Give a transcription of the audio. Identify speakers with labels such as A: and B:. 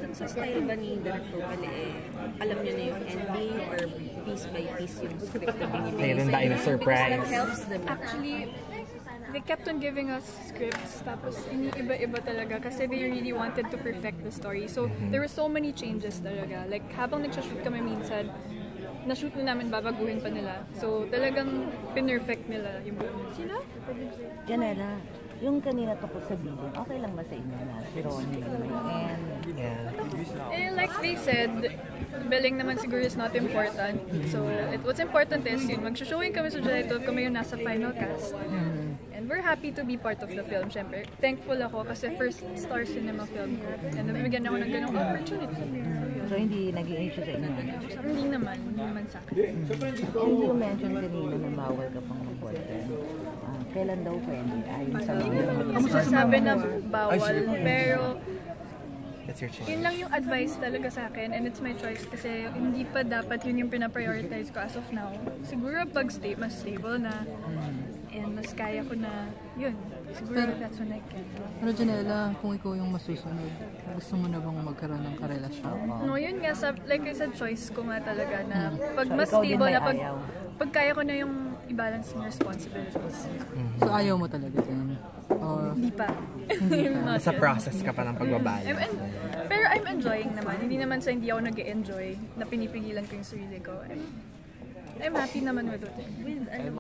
A: Sa style ba ni Director Pale, alam niyo na yung ending or piece by piece yung script na binibigay?
B: Mayroon tayong surprise.
A: That helps them.
C: Actually, they kept on giving us scripts, tapos iniiba-iba talaga kasi they really wanted to perfect the story. So, there were so many changes talaga. Like, habang nagsashoot kami minsan, na-shoot na namin, babaguhin pa nila. So, talagang pinerfect nila yung buong. Sino?
D: Janela, yung kanina tungkol sa billing, okay lang ba sa inyo na si Ronnie and...
C: Eh, like they said, billing naman siguro is not important. So, what's important is yun, mag-showing kami sa July 12, kami yung nasa final cast. And we're happy to be part of the film, syempre. Thankful ako kasi first Star Cinema film ko. And nabibigyan ako ng ganong opportunity.
D: So, hindi naging issue sa inyo?
C: Hindi naman sa akin.
D: And you mentioned kanina na bawal ka pang mag-boyfriend. Kailan daw pwede? Ayon sa
C: Hindi naman masasabi na bawal, pero
B: That's your choice.
C: yun lang yung advice talaga sa akin and it's my choice kasi hindi pa dapat yun yung pinaprioritize ko as of now. Siguro pag mas stable na and mas kaya ko na yun. Siguro that's when I can.
E: Pero Janela, kung ikaw yung masusunod, gusto mo na bang magkaroon ng karelasyon?
C: No, yun nga, like I said, choice ko nga talaga na pag
D: So,
C: mas
D: ikaw din
C: stable
D: may
C: na,
D: ayaw?
C: pag kaya ko na yung i-balance yung responsibilities.
E: So ayaw mo talaga din? Or
C: Hindi pa. Not
B: Sa
C: yet.
B: process ka pa ng pagbabalance.
C: Pero I'm enjoying naman. Hindi naman sa hindi ako nag-enjoy na pinipigilan ko yung sarili ko. I'm happy naman with it.